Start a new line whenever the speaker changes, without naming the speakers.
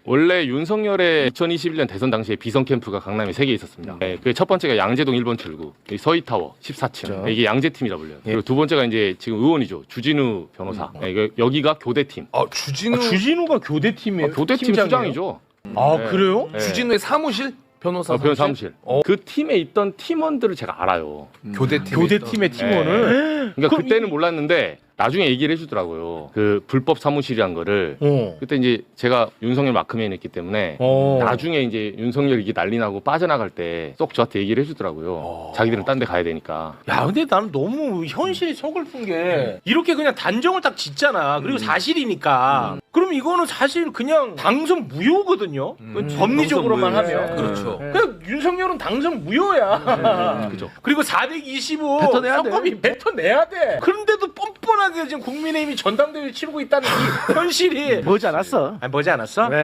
원래 윤석열의 2021년 대선 당시에 비선 캠프가 강남에 3개 있었습니다. 네, 그 첫 번째가 양재동 1번 출구, 서희타워 14층.
그렇죠.
이게 양재팀이라 불려요.
예.
그리고 두 번째가 이제 지금 의원이죠. 주진우 변호사. 네, 여기가 교대팀.
주진우가 교대팀이에요.
교대팀
팀장이에요?
수장이죠.
아
네.
그래요?
네.
주진우의 사무실? 변호사
변호사 사무실.
어.
그 팀에 있던 팀원들을 제가 알아요.
교대팀의 팀원을.
그러니까
그럼
그때는 몰랐는데 나중에 얘기를 해주더라고요. 그 불법 사무실이란 거를. 그때 이제 제가 윤석열 마크맨이 했기 때문에 나중에 이제 윤석열이 이게 난리 나고 빠져나갈 때 쏙 저한테 얘기를 해주더라고요. 자기들은 딴 데 가야 되니까.
야 근데 나는 너무 현실이 서글픈 게 이렇게 그냥 단정을 딱 짓잖아. 그리고 사실이니까. 그럼 이거는 사실 그냥 당선 무효거든요. 법리적으로만
당선 무효.
하면.
그렇죠.
그냥 윤석열은 당선 무효야.
그죠.
그리고 425
뱉어내야 돼.
선거비 뱉어내야 돼. 그런데도 뻔뻔하게 지금 국민의힘이 전당대회 치르고 있다는 이 현실이
머지 않았어.
아니, 머지 않았어?